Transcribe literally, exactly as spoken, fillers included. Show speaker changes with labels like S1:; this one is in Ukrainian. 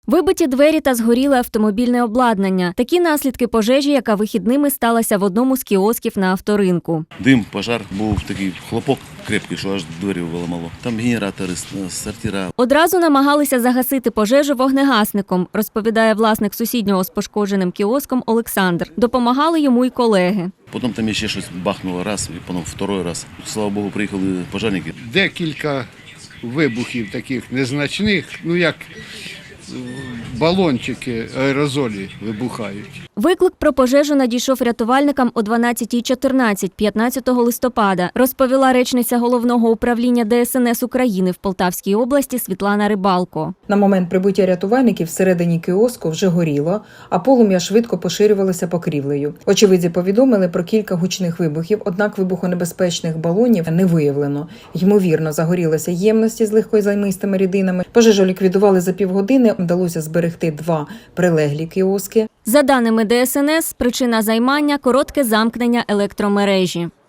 S1: Вибиті двері та згоріле автомобільне обладнання. Такі наслідки пожежі, яка вихідними сталася в одному з кіосків на авторинку.
S2: Дим, пожар, був такий хлопок крепкий, що аж двері виламало. Там генератори, сортира.
S1: Одразу намагалися загасити пожежу вогнегасником, розповідає власник сусіднього з пошкодженим кіоском Олександр. Допомагали йому й колеги.
S2: Потім там ще щось бахнуло раз, і потім второй раз. Слава Богу, приїхали пожежники.
S3: Декілька вибухів таких незначних, ну як балончики, аерозолі вибухають.
S1: Виклик про пожежу надійшов рятувальникам о дванадцятій чотирнадцять п'ятнадцятого листопада, розповіла речниця Головного управління Де Ес Ен Ес України в Полтавській області Світлана Рибалко.
S4: На момент прибуття рятувальників всередині кіоску вже горіло, а полум'я швидко поширювалося покрівлею. Очевидці повідомили про кілька гучних вибухів, однак вибухонебезпечних балонів не виявлено. Ймовірно, загорілися ємності з легкозаймистими рідинами. Пожежу ліквідували за півгодини, вдалося зберегти два прилеглі кіоски.
S1: За даними Де Ес Ен Ес, причина займання – коротке замкнення електромережі.